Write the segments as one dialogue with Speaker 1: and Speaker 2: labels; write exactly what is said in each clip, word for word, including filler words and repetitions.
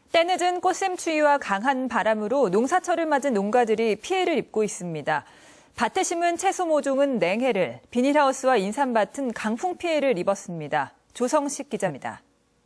Speaker 1: 때늦은 꽃샘추위와 강한 바람으로 농사철을 맞은 농가들이 피해를 입고 있습니다. 밭에 심은 채소 모종은 냉해를, 비닐하우스와 인삼밭은 강풍 피해를 입었습니다. 조성식 기자입니다.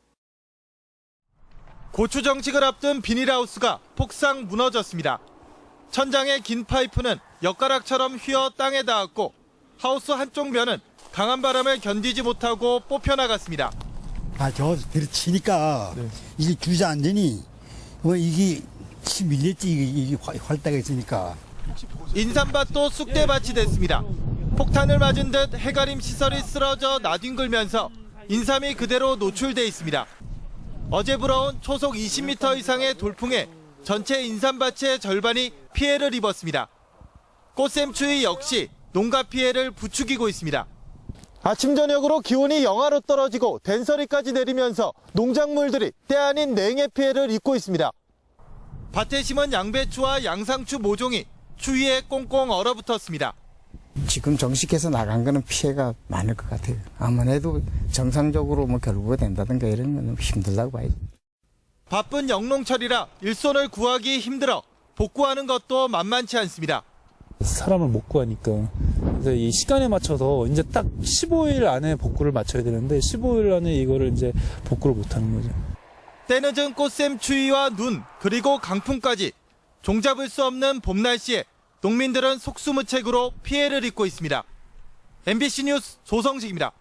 Speaker 2: 고추 정식을 앞둔 비닐하우스가 폭삭 무너졌습니다. 천장의 긴 파이프는 엿가락처럼 휘어 땅에 닿았고 하우스 한쪽 면은 강한 바람을 견디지 못하고 뽑혀나갔습니다.
Speaker 3: 아, 저 들이치니까 네. 이게 주저앉으니 뭐 이게 치 밀렸지 이게, 이게 활다가 있으니까.
Speaker 2: 인삼밭도 쑥대밭이 됐습니다. 폭탄을 맞은 듯 해가림 시설이 쓰러져 나뒹굴면서 인삼이 그대로 노출돼 있습니다. 어제 불어온 초속 이십 미터 이상의 돌풍에 전체 인삼밭의 절반이 피해를 입었습니다. 꽃샘추위 역시 농가 피해를 부추기고 있습니다. 아침 저녁으로 기온이 영하로 떨어지고 된서리까지 내리면서 농작물들이 때 아닌 냉해 피해를 입고 있습니다. 밭에 심은 양배추와 양상추 모종이 추위에 꽁꽁 얼어붙었습니다.
Speaker 4: 지금 정식해서 나간 거는 피해가 많을 것 같아요. 아무래도 정상적으로 뭐 결부가 된다든가 이런 건 힘들다고 봐야죠.
Speaker 2: 바쁜 영농철이라 일손을 구하기 힘들어 복구하는 것도 만만치 않습니다.
Speaker 5: 사람을 못 구하니까. 그래서 이 시간에 맞춰서 이제 딱 십오 일 안에 복구를 마쳐야 되는데 십오 일 안에 이거를 이제 복구를 못 하는 거죠.
Speaker 2: 때늦은 꽃샘추위와 눈 그리고 강풍까지 종잡을 수 없는 봄 날씨에 농민들은 속수무책으로 피해를 입고 있습니다. 엠비씨 뉴스 조성식입니다.